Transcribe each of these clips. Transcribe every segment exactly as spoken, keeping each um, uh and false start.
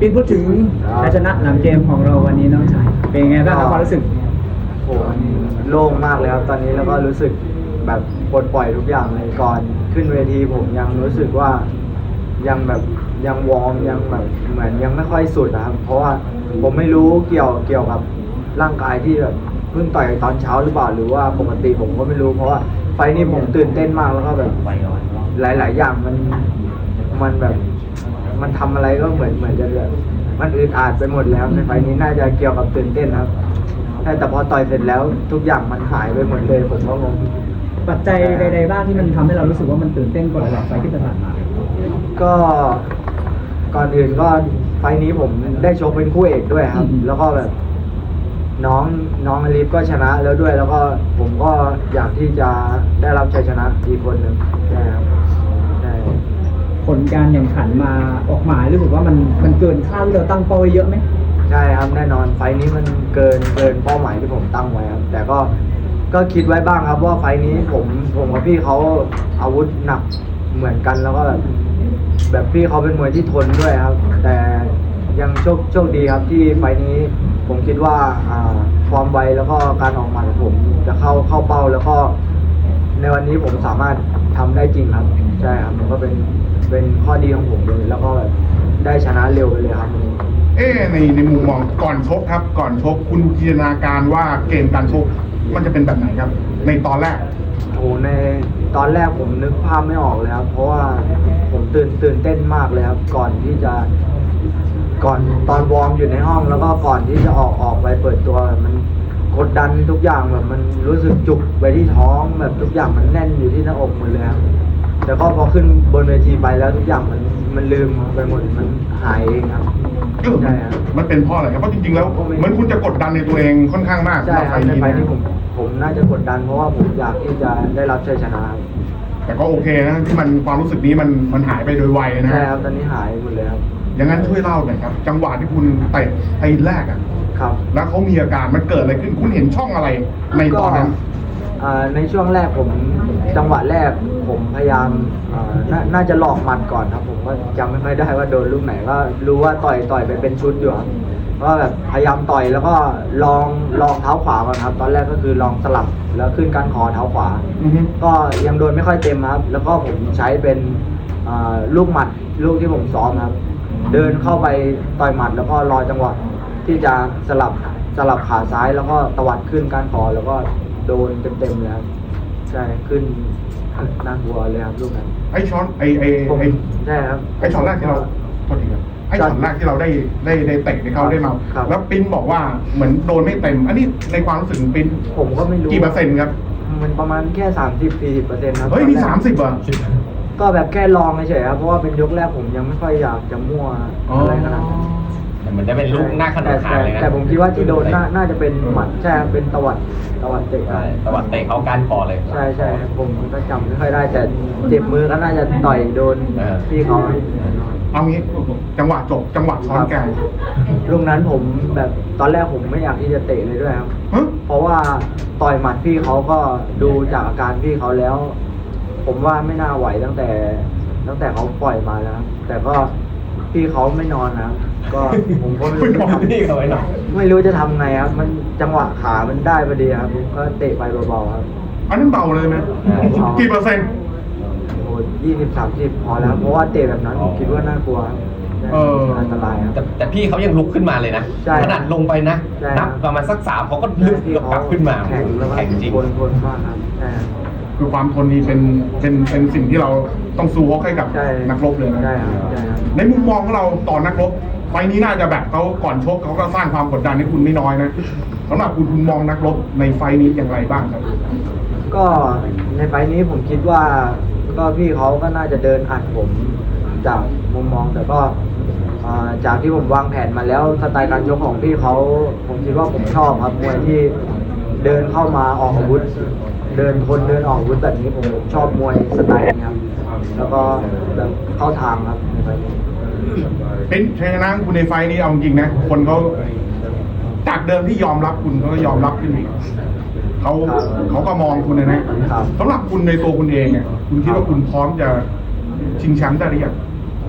พี่พูดถึงชัยชนะหลังเกมของเราวันนี้น้องชายเป็นไงบ้างครับความรู้สึกโหโล่งมากเลยครับตอนนี้แล้วก็รู้สึกแบบปลดปล่อยทุกอย่างเลยก่อนขึ้นเวทีผมยังรู้สึกว่ายังแบบยังวอร์มยังแบบเหมือนยังไม่ค่อยสุดนะครับเพราะว่าผมไม่รู้เกี่ยวเกี่ยวกับร่างกายที่แบบเพิ่งต่อยตอนเช้าหรือเปล่าหรือว่าปกติผมก็ไม่รู้เพราะว่าไฟนี้ผมตื่นเต้นมากแล้วก็แบบหลาย ๆ อย่างมันมันแบบมันทำอะไรก็เหมือนเหมือนจะแบบมันอึดอัดไปหมดแล้วในไฟนี้น่าจะเกี่ยวกับตื่นเต้นครับแต่พอต่อยเสร็จแล้วทุกอย่างมันหายไปหมดเลยผมก็งงปัจจัยใดๆบ้างที่มันทำให้เรารู้สึกว่ามันตื่นเต้นกว่าหลายๆไฟที่ผ่านมาก็ก่อนอื่นก็ไฟนี้ผมได้ชกเป็นคู่เอกด้วยครับแล้วก็แบบน้องน้องอลิฟก็ชนะแล้วด้วยแล้วก็ผมก็อยากที่จะได้รับชัยชนะอีกคนหนึ่งใช่ครับใช่ผลการแข่งขันมาออกมารู้สึกว่ามันมันเกินคาดที่เราตั้งเป้าไว้เยอะไหมใช่ครับแน่นอนไฟนี้มันเกินเกินเป้าหมายที่ผมตั้งไว้ครับแต่ก็ก็คิดไว้บ้างครับว่าไฟนี้ผมผมกับพี่เขาอาวุธหนักเหมือนกันแล้วก็แบบแบบพี่เขาเป็นมวยที่ทนด้วยครับแต่ยังโชคโชคดีครับที่ไฟนี้ผมคิดว่าอ่าความไวแล้วก็การออกหมัดของผมจะเข้าเข้าเป้าแล้วก็ในวันนี้ผมสามารถทำได้จริงครับใช่ครับมันก็เป็นเป็นข้อดีของผมเลยแล้วก็ได้ชนะเร็วไปเลยครับเอ๊ในในมุมมองก่อนชกครับก่อนชกคุณจินตนาการว่าเกมการชกมันจะเป็นแบบไหนครับในตอนแรกโอ้ในตอนแรกผมนึกภาพไม่ออกเลยครับเพราะว่าผมตื่นตื่นเต้นมากเลยครับก่อนที่จะก่อนตอนวอร์มอยู่ในห้องแล้วก็ก่อนที่จะออกออกไปเปิดตัวมันกดดันทุกอย่างแบบมันรู้สึกจุกไปที่ท้องแบบทุกอย่างมันแน่นอยู่ที่หน้าอกหมดเลยครับแต่ก็พอขึ้นบนเวทีไปแล้วทุกอย่างมันมันลืมไปหมดมันหายเองครับใช่ครับมันเป็นเพราะอะไรครับเพราะจริงๆแล้วเหมือนคุณจะกดดันในตัวเองค่อนข้างมากใช่ครับในไฟนี้ผมผมน่าจะกดดันเพราะว่าผมอยากที่จะได้รับชัยชนะแต่ก็โอเคนะที่มันความรู้สึกนี้มันมันหายไปโดยไวนะใช่ครับตอนนี้หายหมดเลยครับอย่างนั้นช่วยเล่าหน่อยครับจังหวะที่คุณเตะไอ้แรกอ่ะครับแล้วเขามีอาการมันเกิดอะไรขึ้นคุณเห็นช่องอะไรในตอนนั้นในช่วงแรกผมจังหวะแรกผมพยายามนน่าจะหลอกหมัดก่อนครับผมก็จำไม่ค่อยได้ว่าโดนลูกไหนก็รู้ว่าต่อยต่อยไปเป็นชุดอยู่ครับก็แบบพยายามต่อยแล้วก็ลองลองเท้าขวาก่อนครับตอนแรกก็คือลองสลับแล้วขึ้นก้านคอเท้าขวาก็ยังโดนไม่ค่อยเต็มครับแล้วก็ผมใช้เป็นลูกหมัดลูกที่ผมซ้อมครับเดินเข้าไปต่อยหมัดแล้วก็รอจังหวะที่จะสลับสลับขาซ้ายแล้วก็ตวัดขึ้นก้านคอแล้วก็โดนเต็มๆเลยครับใช่ขึ้นน่ากลัวเลยครับลูกนั้นไอ้ช้อนไอ้ไอ้ไอ้ใช่ครับไอ้ช็อตแรกที่เราโทษทีครับไอ้ช็อตแรกที่เราได้ได้ได้เตะในเขาได้มาแล้วปิ้นบอกว่าเหมือนโดนไม่เต็มอันนี้ในความรู้สึกของปิ้นผมก็ไม่รู้กี่เปอร์เซ็นต์ครับมันประมาณแค่สามสิบสี่สิบเปอร์เซ็นต์ครับเฮ้ยนี่สามสิบอ่ะก็แบบแค่ลองเฉยๆครับเพราะว่าเป็นยกแรกผมยังไม่ค่อยอยากจะมั่วอะไรขนาดนั้นแต่มันจะเป็นลูกหน้าขนาดขาเลยนะแต่ผมคิดว่าที่โดนน่าจะเป็นหมัดใช่เป็นตวัดตวัดเตะตวัดเตะเขาก้านคอเลยใช่ใช่ผมก็จำไม่ค่อยได้แต่เจ็บมือก็น่าจะต่อยโดนพี่เขาเอางี้จังหวะจบจังหวะช้อนแกงลูกนั้นผมแบบตอนแรกผมไม่อยากที่จะเตะเลยด้วยครับเพราะว่าต่อยหมัดพี่เขาก็ดูจากอาการพี่เขาแล้ว ผมว่าไม่น่าไหวตั้งแต่ตั้งแต่เขาปล่อยมาแล้วแต่ก็พี่เขาไม่นอนนะก็ผมก็ไม่รู้จะทำไม่รู้จะทำไงครับมันจังหวะขามันได้พอดีครับก็เตะไปเบาๆครับอันนั้นเบาเลยไหมกี่เปอร์เซ็นต์โอ้ยี่สิบสามสิบพอแล้วเพราะว่าเตะแบบนั้นผมคิดว่าน่ากลัวอันตรายครับแต่พี่เขายังลุกขึ้นมาเลยนะขนาดลงไปนะนับประมาณสักสามเขาก็ลุกกลับขึ้นมาแข็งแล้วแข็งจริงทนมากครับใช่คือความทนนี่เป็นเป็นเป็นสิ่งที่เราต้องสู้ให้กับนักรบเลยนะในมุมมองของเราต่อนักรบไฟนี้น่าจะแบบเขาก่อนชกเขาก็สร้างความกดดันให้คุณไม่น้อยนะสำหรับคุณคุณมองนักรบในไฟนี้อย่างไรบ้างครับก็ในไฟนี้ผมคิดว่าก็พี่เขาก็น่าจะเดินอัดผมจากมุมมองแต่ก็จากที่ผมวางแผนมาแล้วสไตล์การชกของพี่เขาผมคิดว่าผมชอบครับมวยที่เดินเข้ามาออกอาวุธเดินคนเดินออกอาวุธแบบนี้ผมชอบมวยสไตล์นี้ครับแล้วก็แบบเข้าทางครับในไฟนี้เป็นชัยชนะคุณในไฟนี้เอาจริงนะคนเขาจากเดิมที่ยอมรับคุณเขาก็ยอมรับขึ้นอีกเขาเขาก็มองคุณเลยนะสำหรับคุณในตัวคุณเองเนี่ยคุณคิดว่าคุณพร้อมจะชิงแชมป์ได้หรือยัง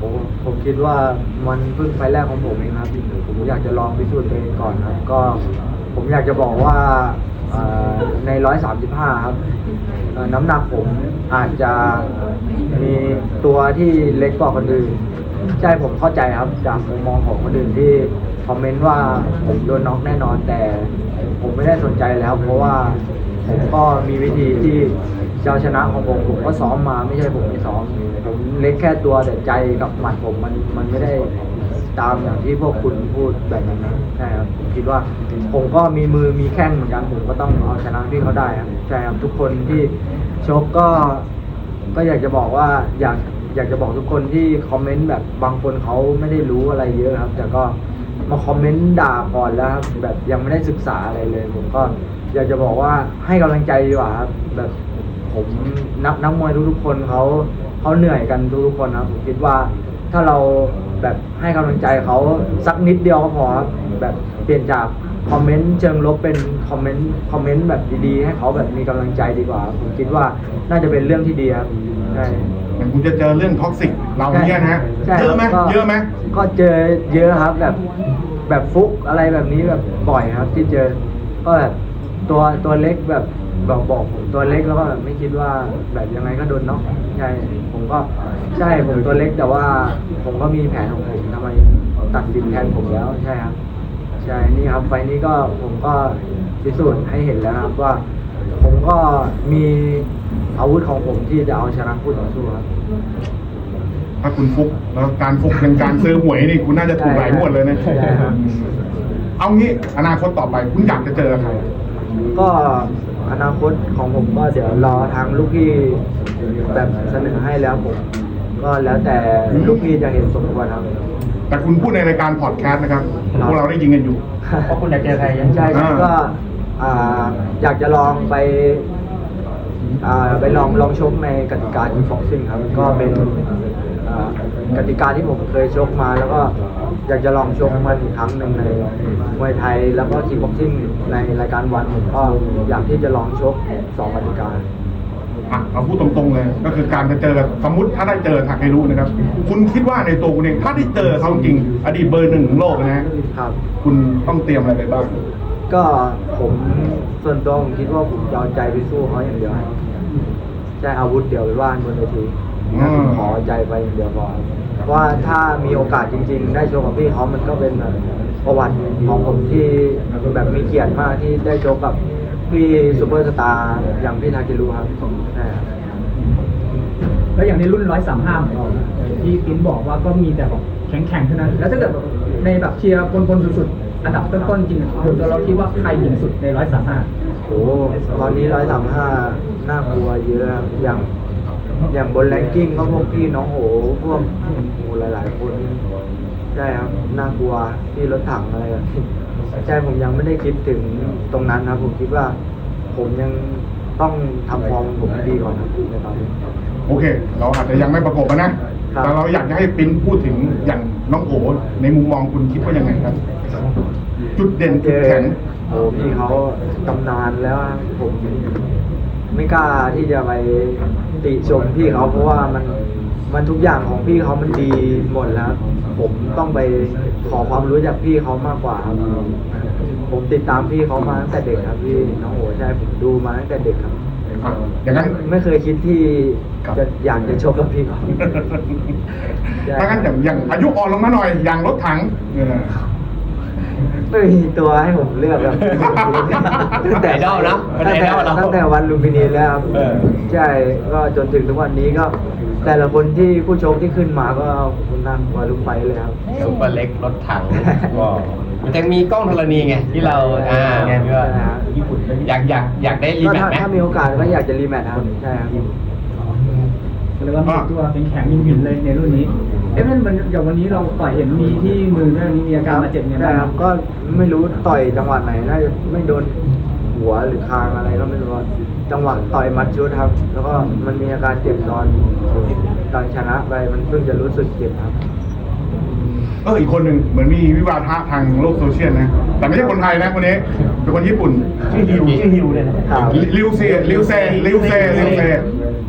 ผมคิดว่ามันเพิ่งไฟล์แรกของผมเองครับผมอยากจะลองพิสูจน์ตัวเองก่อนครับก็ผมอยากจะบอกว่าเอ่อในร้อยสามสิบห้าครับเอ่อน้ำหนักผมอาจจะมีตัวที่เล็กกว่าคนอื่นใช่ผมเข้าใจครับจากมุมมองของคนอื่นที่คอมเมนต์ว่าผมโดนน็อกแน่นอนแต่ผมไม่ได้สนใจแล้วเพราะว่าผมก็มีวิธีที่จะเอาชนะของผมผมก็ซ้อมมาไม่ใช่ผมไม่ซ้อมผมเล็กแค่ตัวแต่ใจกับหมัดผมมันมันไม่ได้ตามอย่างที่พวกคุณพูดแบบนั้นนะใช่ครับผมคิดว่าผมก็มีมือมีแข้งเหมือนกันผมก็ต้องเอาชนะพี่เขาได้ครับใช่ครับทุกคนที่ชกก็ก็อยากจะบอกว่าอยากอยากจะบอกทุกคนที่คอมเมนต์แบบบางคนเขาไม่ได้รู้อะไรเยอะครับ แต่ก็มาคอมเมนต์ด่าก่อนแล้วครับแบบยังไม่ได้ศึกษาอะไรเลยผมก็อยากจะบอกว่าให้กำลังใจดีกว่าครับแบบผมนักนักมวยทุกๆคนเขาเขาเหนื่อยกันทุกๆคนครับผมคิดว่าถ้าเราแบบให้กำลังใจเขาสักนิดเดียวก็พอครับแบบเปลี่ยนจากคอมเมนต์เชิงลบเป็นคอมเมนต์คอมเมนต์แบบดีๆให้เขาแบบมีกำลังใจดีกว่าครับผมคิดว่าน่าจะเป็นเรื่องที่ดีครับใช่อย่างคุณจะเจอเรื่องท็อกซิกเราเนี่ยนะฮะใช่เยอะไหมก็เยอะไหมก็เจอเยอะครับแบบแบบฟุกอะไรแบบนี้แบบบ่อยครับ ที่เจอก็แบบตัวตัวเล็กแบบบอกบอกผมตัวเล็กแล้วก็แบบไม่คิดว่าแบบยังไงก็โดนน็อกใช่ผมก็ใช่ผมตัวเล็กแต่ว่าผมก็มีแผนของผมทำไมตัดสินแทนผมแล้วใช่ครับใช่นี่ครับไฟล์นี้ก็ผมก็พิสูจน์ให้เห็นแล้วครับว่า ผมก็มีอาวุธของผมที่จะเอาชนะคู่ต่อสู้ครับถ้าคุณฟุกแล้วการฟุกเป็นการซื้อหวยนี่คุณน่าจะถูกหลายงวดเลยนะใช่ครับเอางี้อนาคตต่อไปคุณอยากจะเจอใครก็อนาคตของผมก็เดี๋ยวรอทางลูกพี่แบบเสนอให้แล้วผม ก็แล้วแต่ลูกพี่จะเห็นสมควรครับแต่คุณพูดในรายการพอดแคสต์นะครับพวกเราได้ยินกันอยู่เพราะคุณอยากเจอใครยังใช่ครับก็อ่าอยากจะลองไปอ่าไปลองลองชกในกติกาที่ฟ็อกซิ่งครับก็เป็นอ่ากติกาที่ผมเคยชกมา แล้วก็อยากจะลองชกมันอีกครั้งหนึ่งในมวยไทยแล้วก็คิกบ็อกซิ่งในรายการวันผมก็อยากที่จะลองชกสองกติกาอ่ะเอาพูดตรงๆเลย ก็คือการจะเจอสมมติถ้าได้เจอทาเครุนะครับ คุณคิดว่าในตัวคุณเองถ้าได้เจอเขาจริงอดีตเบอร์หนึ่งของโลกนะฮะครับคุณต้องเตรียมอะไรไปบ้างก็ผมส่วนตัวผมคิดว่าผมจะเอาใจไปสู้เขาอย่างเดียวใช้อาวุธเดียวไปว่านบนเวทีอืมขอใจไปอย่างเดียวพอเพราะว่าถ้ามีโอกาสจริง ๆ ได้โชว์กับพี่เขามันก็เป็นแบบประวัติของผมที่แบบมีเกียรติมากที่ได้โชว์กับพี่ซูเปอร์สตาร์อย่างพี่ทาเครุครับใช่ครับแล้วอย่างในรุ่นร้อยสามห้าของเรานะที่คุณบอกว่าก็มีแต่แบบแข็งๆเท่านั้น แล้วถ้าเกิดแบบในแบบเชียร์คนๆสุดๆอันดับต้นๆจริงๆตัวเราคิดว่าใครหญิงสุดในร้อยสามห้าโอ้ตอนนี้ร้อยสามห้าน่ากลัวเยอะครับอย่างอย่างบนแรงกิ้งก็พวกพี่น้องโหพวกโอ้หลาย ๆ คนใช่ครับน่ากลัวที่รถถังอะไรแบบนี้ใช่ผมยังไม่ได้คิดถึงตรงนั้นครับผมคิดว่า ผมยังต้องทำฟอร์มผมให้ดีก่อนครับในตอนนี้โอเค เราอาจจะยังไม่ประกบอะนะครับแต่เราอยากจะให้ปิ้นพูดถึงอย่างน้องโอในมุมมองคุณคิดว่ายังไงครับ จุดเด่นเจจุดอแข็งโอ้พี่เขาตำนานแล้วอะผมไม่กล้าที่จะไปติชมพี่เขาเพราะว่ามันมันทุกอย่างของพี่เขามันดีหมดแล้ว ผมต้องไปขอความรู้จากพี่เขามากกว่าครับผมติดตามพี่เขามาตั้งแต่เด็กครับพี่น้องโอใช่ผมดูมาตั้งแต่เด็กครับอ่ะอย่างนั้นไม่เคยคิดที่ครับจะอยากจะชกกับพี่เขา ใช่ถ้างั้นอย่างอย่างอายุอ่อนลงมาหน่อย อย่างรถถังเออไม่มีตัวให้ผมเลือกครับไอดอลนะเป็นตั้งไอแต่ดอลนะตั้งแต่วันลุมพินีแล้วครับเออใช่ก็จนถึงทุกวันนี้ก็ แต่ละคนที่ผู้ชมที่ขึ้นมาก็คุณนั่งกว่าลุกไปเลยครับซุปเปอร์เล็กรถถังก็มันจะมีกล้องธรณีไงที่เราอ่าใช่ก็ครับอยากอยากอยากได้รีก็แมตถ้าช์ไหมถ้ามีโอกาสก็อยากจะรีแมตช์ครับใช่ครับเรียกว่ามีตัวเป็นแข็งยิงหินเลยในรุ่นนี้ เอ๊ะมันมันอย่างวันนี้เราต่อยเห็นมีที่มือด้วยนี่มีอาการบาดเจ็บเนี่ยใช่ครับก็ไม่รู้ต่อยจังหวะไหนน่าจะไม่โดนหัวหรือคางอะไรก็ไม่รู้ว่าจังหวะต่อยหมัดชุดครับ แล้วก็มันมีอาการเจ็บตอนตอนชนะไปมันเพิ่งจะรู้สึกเจ็บครับเอออีกคนหนึ่งเหมือนมีวิวาทะทางโลกโซเชียลนะ แต่ไม่ใช่คนไทยนะคนนี้เป็นคนญี่ปุ่นชื่อฮิวชื่อฮิวเลยนะครับลิวเซลิวเซลิวเซลิวเซ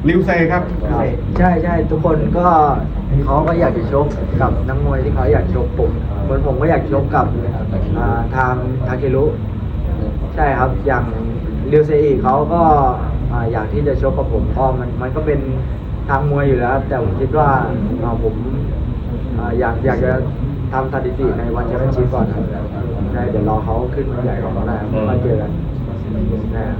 ลิวเซครับครับใช่ใช่ทุกคนก็เขาก็อยากจะชกกับนักมวยที่เขาอยากชกผมเหมือนผมก็อยากชกกับอ่าทางทาเครุใช่ครับอย่างริวเซอีเขาก็อ่าอยากที่จะชกกับผมก็มันมันก็เป็นทางมวยอยู่แล้ว แต่ผมคิดว่าอ่าผมอ่าอยากอยากจะทำสถิติในวันแชมเปี้ยนชิพก่อนครับใช่เดี๋ยวรอเขาขึ้นมาใหญ่ก่อนก็ได้ครับมาเจอกันใช่ครับ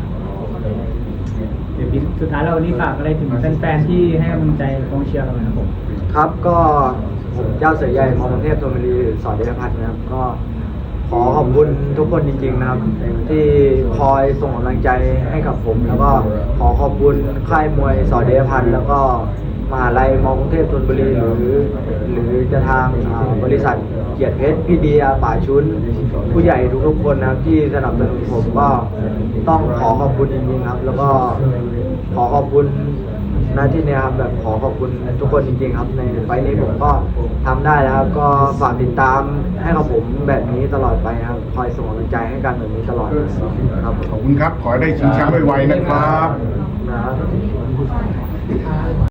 เดี๋ยวพี่สุดท้ายแล้ววันนี้ฝากอะไรถึงแฟนๆที่ให้กำลังใจกองเชียร์เราหน่อยครับผมครับก็ผมเจ้าเสือใหญ่มอกรุงเทพธนบุรีสอนเดชพัฒน์นะครับก็ขอขอบคุณทุกคนจริงๆนะครับ ที่คอยส่งกำลังใจให้กับผม แล้วก็ขอขอบคุณค่ายมวยสอนเดชพัฒน์แล้วก็มหาลัยมอกรุงเทพธนบุรีหรือหรือจะทางอ่าบริษัทเกียรติเพชรพี่เดียป่าชุนผู้ใหญ่ทุกๆคนนะครับที่สนับสนุนผมก็ต้องขอขอบคุณจริงๆครับ แล้วก็ขอขอบคุณหน้าที่เนี้ยครับแบบขอขอบคุณทุกคนจริงๆครับในไฟล์นี้ผมก็ทำได้แล้วครับก็ฝากติดตามให้กับผมแบบนี้ตลอดไปครับคอยส่งกำลังใจให้กันแบบนี้ตลอดครับขอบคุณครับ ขอให้ได้ชิงแชมป์ไวๆนะครับนะครับ